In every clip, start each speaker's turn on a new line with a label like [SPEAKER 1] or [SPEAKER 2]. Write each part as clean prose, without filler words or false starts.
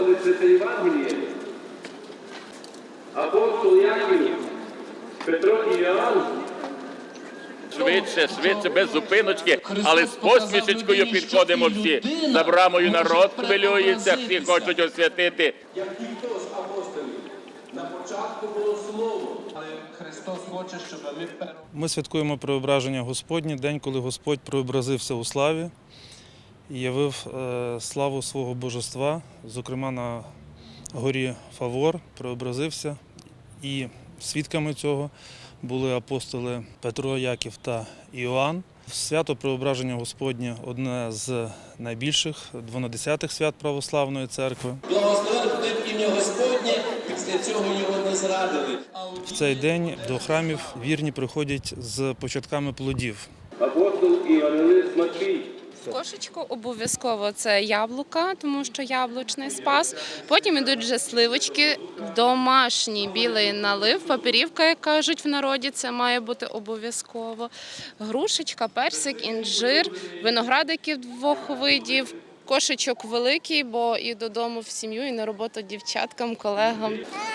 [SPEAKER 1] Господи, Святе Євангеліє, апостол Яків, Петро і Іоанн.
[SPEAKER 2] Швидше, швидше, без зупиночки, але з посмішечкою підходимо всі. За брамою народ хвилюється, всі хочуть освятити.
[SPEAKER 1] Як ніхто з апостолів, на початку було слово, але Христос хоче, щоб ми
[SPEAKER 3] Ми святкуємо Преображення Господнє, день, коли Господь преобразився у славі і явив славу свого божества, зокрема на горі Фавор преобразився. І свідками цього були апостоли Петро, Яків та Іоанн. Свято Преображення Господнє – одне з найбільших 12-х свят Православної церкви.
[SPEAKER 1] Благословив ім'я Господнє, після цього його не зрадили.
[SPEAKER 3] В цей день до храмів вірні приходять з початками плодів.
[SPEAKER 1] Апостол Євангелист Матвій.
[SPEAKER 4] Кошечку обов'язково це яблука, тому що яблучний спас. Потім йдуть вже сливочки, домашній білий налив, папірівка, як кажуть в народі, це має бути обов'язково. Грушечка, персик, інжир, виноградиків 2 видів, кошечок великий, бо і додому в сім'ю, і на роботу дівчаткам, колегам.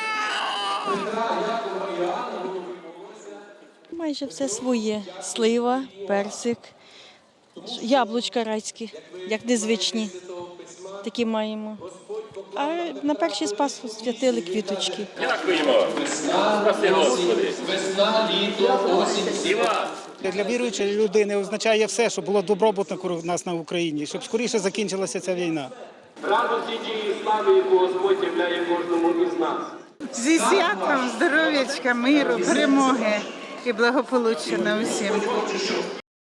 [SPEAKER 5] Майже все своє. Слива, персик, яблучка райські, як незвичні, такі маємо. А на перший спас святили квіточки.
[SPEAKER 2] Дякуємо. Спаси Господи.
[SPEAKER 1] Весна, літо, осінь.
[SPEAKER 2] І вас.
[SPEAKER 6] Для віруючої людини означає все, щоб було добробут у нас на Україні, щоб скоріше закінчилася ця війна.
[SPEAKER 1] Радості тієї слави, яку Господь являє кожному із нас.
[SPEAKER 7] Зі святом, здоров'ячка, миру, перемоги і благополуччя на усім.